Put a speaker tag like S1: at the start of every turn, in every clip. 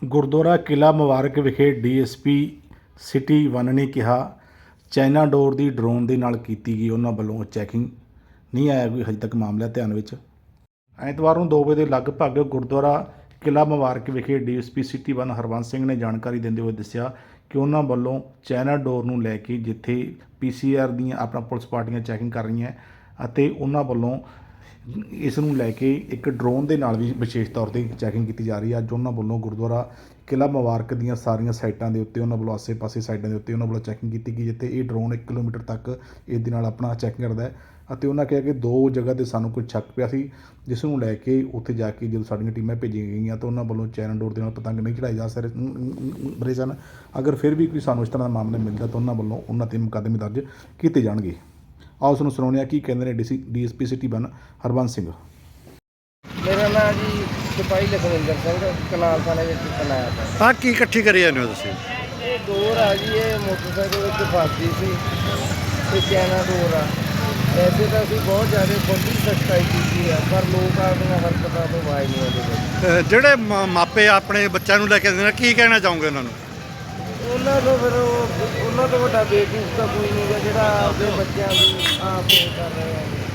S1: ਗੁਰਦੁਆਰਾ ਕਿਲ੍ਹਾ ਮੁਬਾਰਕ ਵਿਖੇ DSP city 1 ਨੇ ਕਿਹਾ ਚਾਈਨਾ ਡੋਰ ਦੀ ਡਰੋਨ ਦੇ ਨਾਲ ਕੀਤੀ ਗਈ ਉਹਨਾਂ ਵੱਲੋਂ ਚੈਕਿੰਗ। ਨਹੀਂ ਆਇਆ ਕੋਈ ਹਜੇ ਤੱਕ ਮਾਮਲਾ ਧਿਆਨ ਵਿੱਚ। ਐਤਵਾਰ ਨੂੰ 2 ਵਜੇ ਦੇ ਲਗਭਗ ਗੁਰਦੁਆਰਾ ਕਿਲ੍ਹਾ ਮੁਬਾਰਕ ਵਿਖੇ ਡੀਐਸਪੀ ਸਿਟੀ 1 ਹਰਬੰਸ ਸਿੰਘ ਨੇ ਜਾਣਕਾਰੀ ਦਿੰਦੇ ਹੋਏ ਦੱਸਿਆ ਕਿ ਉਹਨਾਂ ਵੱਲੋਂ ਚਾਈਨਾ ਡੋਰ ਨੂੰ ਲੈ ਕੇ ਜਿੱਥੇ PCR ਦੀਆਂ ਆਪਣਾ ਪੁਲਿਸ ਪਾਰਟੀਆਂ ਚੈਕਿੰਗ ਕਰ ਰਹੀਆਂ ਅਤੇ ਉਹਨਾਂ ਵੱਲੋਂ ਇਸ ਨੂੰ ਲੈ ਕੇ ਇੱਕ ਡਰੋਨ ਦੇ ਨਾਲ ਵੀ ਵਿਸ਼ੇਸ਼ ਤੌਰ 'ਤੇ ਚੈਕਿੰਗ ਕੀਤੀ ਜਾ ਰਹੀ ਹੈ। ਅੱਜ ਉਹਨਾਂ ਵੱਲੋਂ ਗੁਰਦੁਆਰਾ ਕਿਲ੍ਹਾ ਮੁਬਾਰਕ ਦੀਆਂ ਸਾਰੀਆਂ ਸਾਈਟਾਂ ਦੇ ਉੱਤੇ ਉਹਨਾਂ ਵੱਲੋਂ ਆਸੇ-ਪਾਸੇ ਸਾਈਡਾਂ ਦੇ ਉੱਤੇ ਉਹਨਾਂ ਵੱਲੋਂ ਚੈਕਿੰਗ ਕੀਤੀ ਗਈ, ਜਿੱਥੇ ਇਹ ਡਰੋਨ 1 ਕਿਲੋਮੀਟਰ ਤੱਕ ਇਸ ਦੇ ਨਾਲ ਆਪਣਾ ਚੈਕਿੰਗ ਕਰਦਾ ਹੈ। ਅਤੇ ਉਹਨਾਂ ਕਿਹਾ ਕਿ 2 ਜਗ੍ਹਾ 'ਤੇ ਸਾਨੂੰ ਕੋਈ ਸ਼ੱਕ ਪਿਆ ਸੀ, ਜਿਸ ਨੂੰ ਲੈ ਕੇ ਉੱਥੇ ਜਾ ਕੇ ਜਦੋਂ ਸਾਡੀਆਂ ਟੀਮਾਂ ਭੇਜੀਆਂ ਗਈਆਂ ਤਾਂ ਉਹਨਾਂ ਵੱਲੋਂ ਚਾਈਨਾ ਡੋਰ ਦੇ ਨਾਲ ਪਤੰਗ ਨਹੀਂ ਚੜਾਏ ਜਾ ਰਹੇ ਸਨ। ਅਗਰ ਫਿਰ ਵੀ ਕੋਈ ਸਾਨੂੰ ਇਸ ਤਰ੍ਹਾਂ ਦਾ ਮਾਮਲਾ ਮਿਲਦਾ ਤਾਂ ਉਹਨਾਂ ਵੱਲੋਂ ਉਹਨਾਂ 'ਤੇ ਮੁਕੱਦਮੇ ਦਰਜ ਕੀਤੇ ਜਾਣਗੇ। ਆਓ ਉਸ ਨੂੰ ਸੁਣਾਉਂਦੇ ਹਾਂ ਕੀ ਕਹਿੰਦੇ ਨੇ ਡੀਐਸਪੀ ਸਿਟੀ 1 ਹਰਬੰਸ ਸਿੰਘ।
S2: ਮੇਰਾ ਨਾਮ ਜੀ ਸਿਪਾਹੀ ਲਖਵਿੰਦਰ ਸਿੰਘ, ਕਨਾਲ ਥਾਣੇ ਵਿੱਚ ਤੈਨਾਤ ਹਾਂ।
S3: ਕੀ ਇਕੱਠੀ ਕਰੀ ਜਾਂਦੇ ਹੋ ਤੁਸੀਂ?
S2: ਇਹ ਡੋਰ ਆ ਜੀ, ਇਹ ਮੋਟਰਸਾਈਕਲ ਵਿੱਚ ਫਸਦੀ ਸੀ ਤੇ ਚਾਈਨਾ ਡੋਰ ਆ। ਵੈਸੇ ਤਾਂ ਅਸੀਂ ਬਹੁਤ ਜ਼ਿਆਦਾ ਖੁਦ ਹੀ ਸਖਤਾਈ ਕੀਤੀ ਆ, ਪਰ ਲੋਕ ਆਪਣੀਆਂ ਹਰਕਤਾਂ ਤੋਂ ਬਾਜ਼ ਨਹੀਂ ਆਉਂਦੇ।
S3: ਜਿਹੜੇ ਮਾਪੇ ਆਪਣੇ ਬੱਚਿਆਂ ਨੂੰ ਲੈ ਕੇ ਆਉਂਦੇ ਨੇ, ਕੀ ਕਹਿਣਾ ਚਾਹੋਗੇ ਉਹਨਾਂ ਨੂੰ?
S2: ਉਹਨਾਂ ਤੋਂ ਫਿਰ ਉਹਨਾਂ ਤੋਂ ਵੱਡਾ ਬੇਵਕੂਫ ਤਾਂ ਕੋਈ ਨਹੀਂ ਗਾ ਜਿਹੜਾ ਆਪਣੇ ਬੱਚਿਆਂ ਨੂੰ ਆਪ ਕਰ ਰਹੇ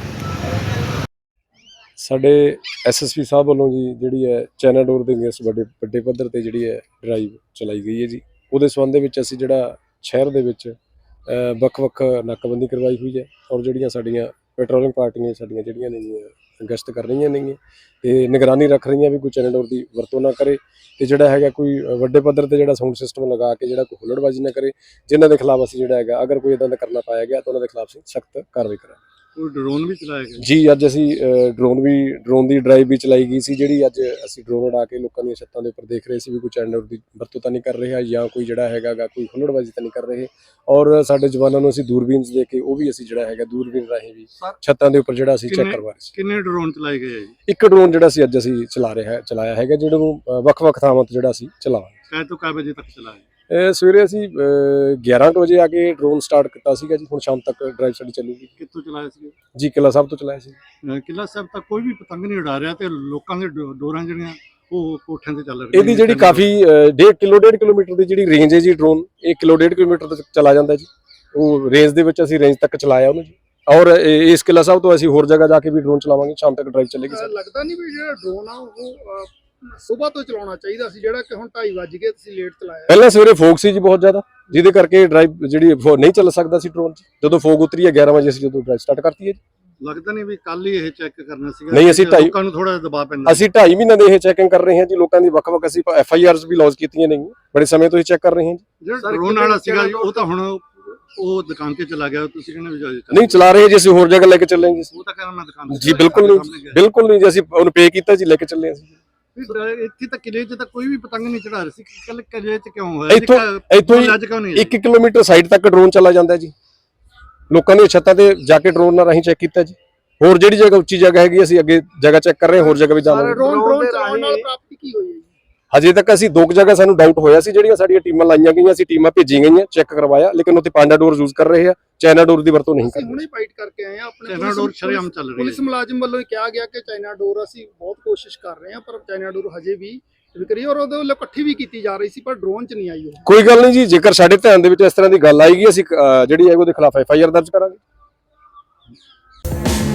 S2: ਆ।
S4: ਸਾਡੇ ਐਸਐਸਪੀ ਸਾਹਿਬ ਵੱਲੋਂ ਜੀ ਜਿਹੜੀ ਹੈ ਚਾਈਨਾ ਡੋਰ ਦੇ ਅਗੇਂਸਟ ਵੱਡੇ ਪੱਧਰ ਤੇ ਜਿਹੜੀ ਹੈ ਡਰਾਈਵ ਚਲਾਈ ਗਈ ਹੈ ਜੀ। ਉਹਦੇ ਸੰਬੰਧ ਦੇ ਵਿੱਚ ਅਸੀਂ ਜਿਹੜਾ ਸ਼ਹਿਰ ਦੇ ਵਿੱਚ ਵੱਖ-ਵੱਖ ਨਾਕਾਬੰਦੀ ਕਰਵਾਈ ਹੋਈ ਹੈ ਔਰ ਜਿਹੜੀਆਂ ਸਾਡੀਆਂ ਪੈਟਰੋਲਿੰਗ ਪਾਰਟੀਆਂ ਸਾਡੀਆਂ ਜਿਹੜੀਆਂ ਨੇ ਗਸ਼ਤ ਕਰ ਰਹੀਆਂ ਨੇਗੀਆਂ ਤੇ ਨਿਗਰਾਨੀ ਰੱਖ ਰਹੀਆਂ ਵੀ ਕੋਈ ਚਾਈਨਾ ਡੋਰ ਦੀ ਵਰਤੋਂ ਨਾ ਕਰੇ ਤੇ ਜਿਹੜਾ ਹੈਗਾ ਕੋਈ ਵੱਡੇ ਪੱਧਰ ਤੇ ਜਿਹੜਾ ਸਾਊਂਡ ਸਿਸਟਮ ਲਗਾ ਕੇ ਜਿਹੜਾ ਕੋਈ ਹੁੱਲੜਬਾਜ਼ੀ ਨਾ ਕਰੇ, ਜਿਨ੍ਹਾਂ ਦੇ ਖਿਲਾਫ ਅਸੀਂ ਜਿਹੜਾ ਹੈਗਾ ਅਗਰ ਕੋਈ ਇਦਾਂ ਦਾ ਕਰਨਾ ਪਾਇਆ ਗਿਆ ਤਾਂ ਉਹਨਾਂ ਦੇ ਖਿਲਾਫ ਅਸੀਂ ਸਖਤ ਕਾਰਵਾਈ ਕਰਾਂਗੇ।
S3: ਕੋਈ ਡਰੋਨ ਵੀ ਚਲਾਇਆ ਗਿਆ
S4: ਜੀ? ਅੱਜ ਅਸੀਂ ਡਰੋਨ ਦੀ ਡਰਾਈਵ ਵੀ ਚਲਾਈ ਗਈ ਸੀ, ਜਿਹੜੀ ਅੱਜ ਅਸੀਂ ਡਰੋਨ ਉਡਾ ਕੇ ਲੋਕਾਂ ਦੀਆਂ ਛੱਤਾਂ ਦੇ ਉੱਪਰ ਦੇਖ ਰਹੇ ਸੀ ਵੀ ਕੋਈ ਚਾਈਨਾ ਡੋਰ ਦੀ ਵਰਤੋਂ ਤਾਂ ਨਹੀਂ ਕਰ ਰਿਹਾ ਜਾਂ ਕੋਈ ਜਿਹੜਾ ਹੈਗਾ ਕੋਈ ਹੁੱਲੜਬਾਜ਼ੀ ਤਾਂ ਨਹੀਂ ਕਰ ਰਹੇ। ਔਰ ਸਾਡੇ ਜਵਾਨਾਂ ਨੂੰ ਅਸੀਂ ਦੂਰਬੀਨਸ ਦੇ ਕੇ ਉਹ ਵੀ ਅਸੀਂ ਜਿਹੜਾ ਹੈਗਾ ਦੂਰਬੀਨ ਰਾਹੀਂ ਵੀ ਛੱਤਾਂ ਦੇ ਉੱਪਰ ਜਿਹੜਾ ਅਸੀਂ ਚੈੱਕ ਕਰਵਾ ਰਹੇ ਸੀ।
S3: ਕਿੰਨੇ ਡਰੋਨ ਚਲਾਏ ਗਏ ਜੀ?
S4: ਇੱਕ ਡਰੋਨ ਜਿਹੜਾ ਸੀ ਅੱਜ ਅਸੀਂ ਚਲਾਇਆ ਹੈਗਾ, ਜਿਹੜਾ ਨੂੰ ਵੱਖ-ਵੱਖ ਥਾਵਾਂ ਤੋਂ ਜਿਹੜਾ ਅਸੀਂ ਚਲਾਵਾਂਗੇ।
S3: ਕੈ ਤੋਂ ਕੈ ਵਜੇ ਤੱਕ ਚਲਾਇਆ?
S4: ਸਵੇਰੇ ਅਸੀਂ 11 ਵਜੇ ਆ ਕੇ ਡਰੋਨ ਸਟਾਰਟ ਕੀਤਾ ਸੀਗਾ ਜੀ। ਹੁਣ ਸ਼ਾਮ ਤੱਕ ਡਰਾਈਵ ਸਾਡੀ ਚੱਲੂਗੀ।
S3: ਕਿੱਥੋਂ ਚਲਾਇਆ ਸੀ
S4: ਜੀ? ਕਿਲ੍ਹਾ ਸਾਹਿਬ ਤੋਂ ਚਲਾਇਆ ਸੀ।
S3: ਕਿਲ੍ਹਾ ਸਾਹਿਬ ਤੱਕ ਕੋਈ ਵੀ ਪਤੰਗ ਨਹੀਂ ਉਡਾ ਰਿਹਾ ਤੇ ਲੋਕਾਂ ਦੇ ਡੋਰਾਂ ਜਿਹੜੀਆਂ ਉਹ ਕੋਠਿਆਂ ਤੇ ਚੱਲ ਰਹੀਆਂ।
S4: ਇਹਦੀ ਜਿਹੜੀ ਕਾਫੀ 1.5 ਕਿਲੋਮੀਟਰ ਦੀ ਜਿਹੜੀ ਰੇਂਜ ਹੈ ਜੀ, ਡਰੋਨ 1.5 ਕਿਲੋਮੀਟਰ ਤੱਕ ਚਲਾ ਜਾਂਦਾ ਜੀ। ਉਹ ਰੇਂਜ ਦੇ ਵਿੱਚ ਅਸੀਂ ਰੇਂਜ ਤੱਕ ਚਲਾਇਆ ਉਹਨੂੰ ਜੀ। ਔਰ ਇਸ ਕਿਲ੍ਹਾ ਸਾਹਿਬ ਤੋਂ ਅਸੀਂ ਹੋਰ ਜਗ੍ਹਾ ਜਾ ਕੇ ਵੀ ਡਰੋਨ ਚਲਾਵਾਂਗੇ। ਸ਼ਾਮ ਤੱਕ ਡਰਾਈਵ ਚੱਲੇਗੀ। ਸਰ
S5: ਲੱਗਦਾ ਨਹੀਂ ਵੀ ਜਿਹੜਾ ਡਰੋਨ ਆ ਉਹ ਸੁਬਾਹ ਤੋਂ ਚਲਾਉਣਾ ਚਾਹੀਦਾ ਸੀ, ਜਿਹੜਾ ਕਿ ਹੁਣ 2:30 ਵੱਜ ਗਏ ਤੁਸੀਂ ਲੇਟ ਚਲਾਇਆ?
S4: ਪਹਿਲਾਂ ਸਵੇਰੇ ਫੋਗ ਸੀ ਜੀ ਬਹੁਤ ਜ਼ਿਆਦਾ, ਜਿਹਦੇ ਕਰਕੇ ਡਰਾਈਵ ਜਿਹੜੀ ਨਹੀਂ ਚੱਲ ਸਕਦਾ ਸੀ ਡਰੋਨ। ਜਦੋਂ ਫੋਗ ਉਤਰੀ ਹੈ 11 ਵਜੇ ਅਸੀਂ ਜਦੋਂ ਡਰਾਈਵ ਸਟਾਰਟ ਕਰਤੀ ਹੈ ਜੀ।
S3: ਲੱਗਦਾ ਨਹੀਂ ਵੀ ਕੱਲ ਹੀ ਇਹ ਚੈੱਕ ਕਰਨਾ ਸੀਗਾ?
S4: ਨਹੀਂ, ਅਸੀਂ
S3: ਲੋਕਾਂ ਨੂੰ ਥੋੜਾ ਦਬਾਅ ਪੈਂਦਾ।
S4: ਅਸੀਂ 2.5 ਮਹੀਨੇ ਦੇ ਇਹ ਚੈਕਿੰਗ ਕਰ ਰਹੇ ਹਾਂ ਜੀ। ਲੋਕਾਂ ਦੀ ਵੱਖ-ਵੱਖ ਅਸੀਂ FIRs ਵੀ ਲੌਂਚ ਕੀਤੀਆਂ ਨੇ, ਬੜੇ ਸਮੇਂ ਤੋਂ ਇਹ ਚੈੱਕ ਕਰ ਰਹੇ ਹਾਂ ਜੀ।
S3: ਜਿਹੜਾ ਡਰੋਨ ਵਾਲਾ ਸੀਗਾ ਜੀ ਉਹ ਤਾਂ ਹੁਣ ਉਹ ਦੁਕਾਨ ਤੇ ਚਲਾ ਗਿਆ। ਤੁਸੀਂ ਕਹਿੰਦੇ ਵੀ
S4: ਨਹੀਂ ਚਲਾ ਰਹੇ ਜੀ, ਅਸੀਂ ਹੋਰ ਜਗ੍ਹਾ ਲੈ ਕੇ ਚੱਲਾਂਗੇ।
S3: ਉਹ ਤਾਂ ਕਹਿੰਦਾ ਮੈਂ ਦੁਕਾਨ ਤੇ
S4: ਜੀ ਬਿਲਕੁਲ ਨਹੀਂ ਜੀ, ਅਸੀਂ ਉਹਨੂੰ ਪੇ ਕੀਤਾ ਜੀ, ਲੈ ਕੇ ਚੱਲੇ ਅਸੀਂ।
S3: ਇੱਥੇ ਤਾਂ ਕਿਲੇ 'ਚ ਤਾਂ ਕੋਈ ਵੀ ਪਤੰਗ ਨਹੀਂ ਚੜਾ ਰਿਹਾ ਸੀ। ਕੱਲ ਕਿਲੇ 'ਚ ਕਿਉਂ ਹੋਇਆ?
S4: ਇੱਥੋਂ ਹੀ 1 ਕਿਲੋਮੀਟਰ ਸਾਈਡ ਤੱਕ ਡਰੋਨ ਚਲਾ ਜਾਂਦਾ ਜੀ। ਲੋਕਾਂ ਦੀਆਂ ਛੱਤਾਂ ਤੇ ਜਾ ਕੇ ਡਰੋਨ ਨਾਲ ਰਾਹੀਂ ਚੈੱਕ ਕੀਤਾ ਜੀ। ਹੋਰ ਜਿਹੜੀ ਜਗ੍ਹਾ ਉੱਚੀ ਜਗ੍ਹਾ ਹੈਗੀ ਅਸੀਂ ਅੱਗੇ ਜਗ੍ਹਾ ਚੈੱਕ ਕਰ ਰਹੇ ਹਾਂ, ਹੋਰ ਜਗ੍ਹਾ ਵੀ ਜਾਵਾਂਗੇ।
S5: ਡਰੋਨ ਚਲਾਉਣ ਨਾਲ ਪ੍ਰਾਪਤੀ ਕੀ ਹੋਈ ਹੈ ਜੀ?
S4: ਹਜੇ ਤੱਕ ਅਸੀਂ 2 ਜਗ੍ਹਾ ਸਾਨੂੰ ਡਾਊਟ ਹੋਇਆ ਸੀ, ਜਿਹੜੀਆਂ ਸਾਡੀਆਂ ਟੀਮਾਂ ਲਾਈਆਂ ਗਈਆਂ, ਅਸੀਂ ਟੀਮਾਂ ਭੇਜੀਆਂ ਗਈਆਂ, ਚੈੱਕ ਕਰਵਾਇਆ, ਲੇਕਿਨ ਉੱਥੇ ਪਾਂਡਾ ਡੋਰ ਯੂਜ਼ ਕਰ ਰਹੇ ਆ, ਚਾਈਨਾ ਡੋਰ ਦੀ ਵਰਤੋਂ ਨਹੀਂ ਕਰ ਰਹੇ।
S5: ਹੁਣੇ ਫਾਈਟ ਕਰਕੇ ਆਏ ਆ ਆਪਣੇ
S3: ਚਾਈਨਾ ਡੋਰ ਸ਼ਰੇਆਮ ਚੱਲ ਰਹੀ ਹੈ।
S5: ਪੁਲਿਸ ਮੁਲਾਜ਼ਮ ਵੱਲੋਂ ਕਿਹਾ ਗਿਆ ਕਿ ਚਾਈਨਾ ਡੋਰ ਅਸੀਂ ਬਹੁਤ ਕੋਸ਼ਿਸ਼ ਕਰ ਰਹੇ ਹਾਂ, ਪਰ ਚਾਈਨਾ ਡੋਰ ਹਜੇ ਵੀ ਵਿਕਰੀ ਔਰ ਉਹਦੇ ਵੱਲੋਂ ਇਕੱਠੀ ਵੀ ਕੀਤੀ ਜਾ ਰਹੀ ਸੀ, ਪਰ ਡਰੋਨ 'ਚ ਨਹੀਂ ਆਈ। ਉਹ
S4: ਕੋਈ ਗੱਲ ਨਹੀਂ ਜੀ, ਜੇਕਰ ਸਾਡੇ ਧਿਆਨ ਦੇ ਵਿੱਚ ਇਸ ਤਰ੍ਹਾਂ ਦੀ ਗੱਲ ਆਏਗੀ ਅਸੀਂ ਜਿਹੜੀ ਹੈ ਉਹਦੇ ਖਿਲਾਫ FIR ਦਰਜ ਕਰਾਂਗੇ।